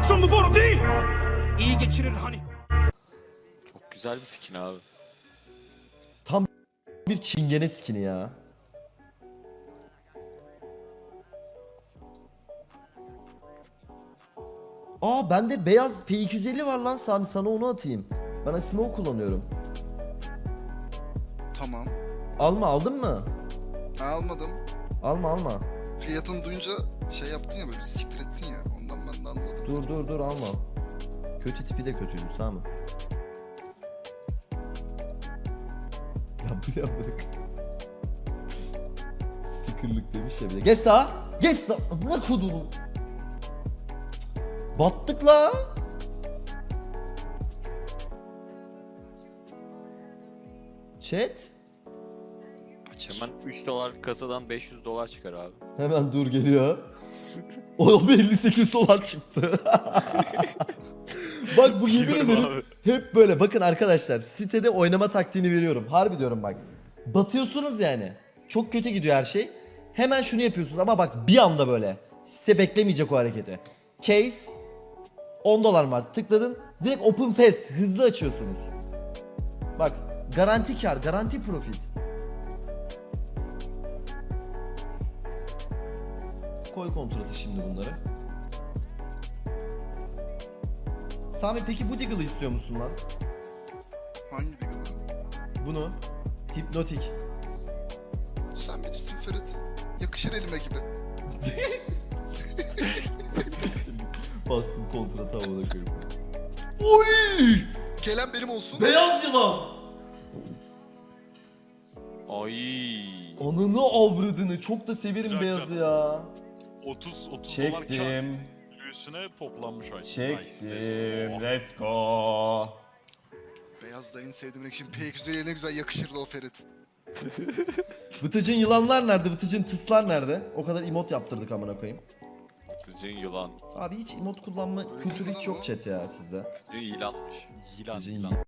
Yoksa bu boru değil. İyi geçirir hani. Çok güzel bir skin abi. Tam bir çingene skini ya. Aa bende beyaz P250 var lan Sami, sana onu atayım. Ben Asimov kullanıyorum. Tamam. Aldın mı? Almadım. Alma. Fiyatını duyunca şey yaptın ya, böyle bir siktir ettin ya. Ondan ben de anladım. Dur alma. Kötü tipi de kötüydü Sami. Ya bu ne amına. Stickerlık demiş ya bir de. Geç sağa. Ne kuduru. Battık la. Chat. Hemen 3 dolar kasadan 500 dolar çıkar abi. Hemen dur geliyor. O 58 dolar çıktı. Bak bu yemin Biliyorum ederim abi. hep böyle. Bakın arkadaşlar, sitede oynama taktiğini veriyorum. Harbi diyorum bak. Batıyorsunuz yani. Çok kötü gidiyor her şey. Hemen şunu yapıyorsunuz ama bak bir anda böyle. Site beklemeyecek o hareketi. Case 10 dolar var. Tıkladın. Direkt open fast. Hızlı açıyorsunuz. Bak garanti kar, garanti profit. Koy kontratı şimdi bunları. Sami peki bu Deagle'ı istiyor musun lan? Hangi Deagle'ı? Bunu. Hipnotik. Sen bilirsin Ferit. Yakışır elime gibi. Bastım kontratı havada koyup. Oy! Gelen benim olsun. Beyaz yılan! Ay. Ananı avradını. Çok da severim Güzel, beyazı güzel. ya. 30 dolar kar Çektim. üstüne toplanmış ay. Çektim. Nice. Let's go. Beyaz da en sevdiğim renk. Şimdi P250'ye ne güzel yakışırdı o Ferit. Vıtıcın yılanlar nerede? Vıtıcın tıslar nerede? O kadar emot yaptırdık amına koyayım. Tıcın yılan. Abi hiç emot kullanma kültürü hiç yok chat ya sizde. Tıcın yılanmış. Yılan. Vıtıcın Yılan. yılan.